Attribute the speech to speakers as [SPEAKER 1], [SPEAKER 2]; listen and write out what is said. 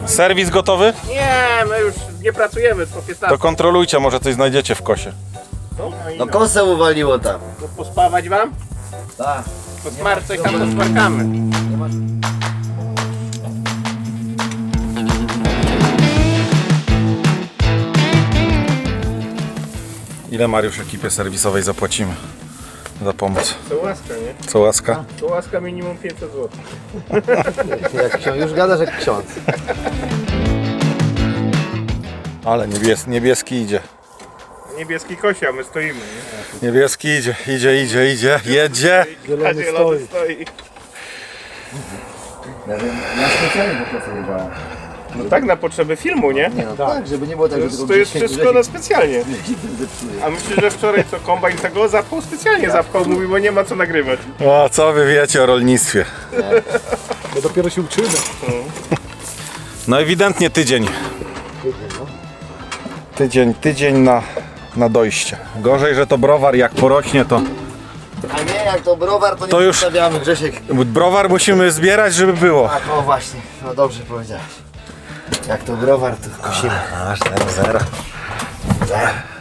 [SPEAKER 1] Serwis gotowy?
[SPEAKER 2] Nie, my już nie pracujemy po 15.
[SPEAKER 1] To kontrolujcie, może coś znajdziecie w kosie.
[SPEAKER 3] No kosę uwaliło tam.
[SPEAKER 2] To pospawać wam?
[SPEAKER 3] Tak.
[SPEAKER 2] To coś tam posmarkamy.
[SPEAKER 1] Ile, Mariusz, ekipie serwisowej zapłacimy za pomoc?
[SPEAKER 2] To łaska, nie?
[SPEAKER 1] Co łaska?
[SPEAKER 2] To łaska minimum 500 zł.
[SPEAKER 3] Jak ksiądz, już gadasz jak ksiądz.
[SPEAKER 1] Ale niebieski idzie.
[SPEAKER 2] Niebieski kosia, my stoimy, nie?
[SPEAKER 1] Niebieski idzie, jedzie.
[SPEAKER 2] Zielony stoi.
[SPEAKER 3] Ja specjalnie po prostu jechałem.
[SPEAKER 2] No tak, na potrzeby filmu, nie?
[SPEAKER 3] Nie no tak, żeby nie było tak, że tylko
[SPEAKER 2] To jest
[SPEAKER 3] gdzieś
[SPEAKER 2] wszystko na specjalnie.
[SPEAKER 3] zepsuje.
[SPEAKER 2] A myślę, że wczoraj co kombajn tego zapchał specjalnie mówi, bo nie ma co nagrywać.
[SPEAKER 1] O, co wy wiecie o rolnictwie?
[SPEAKER 4] Bo dopiero się uczymy.
[SPEAKER 1] No ewidentnie tydzień. Tydzień na dojście. Gorzej, że to browar jak porośnie, to
[SPEAKER 3] A nie, jak to browar, to nie
[SPEAKER 1] To już-
[SPEAKER 3] zostawiamy, Grzesiek.
[SPEAKER 1] browar musimy zbierać, żeby było.
[SPEAKER 3] Tak, o właśnie, no dobrze powiedziałeś. Jak to browar, to kosimy.
[SPEAKER 1] Aż 0-0.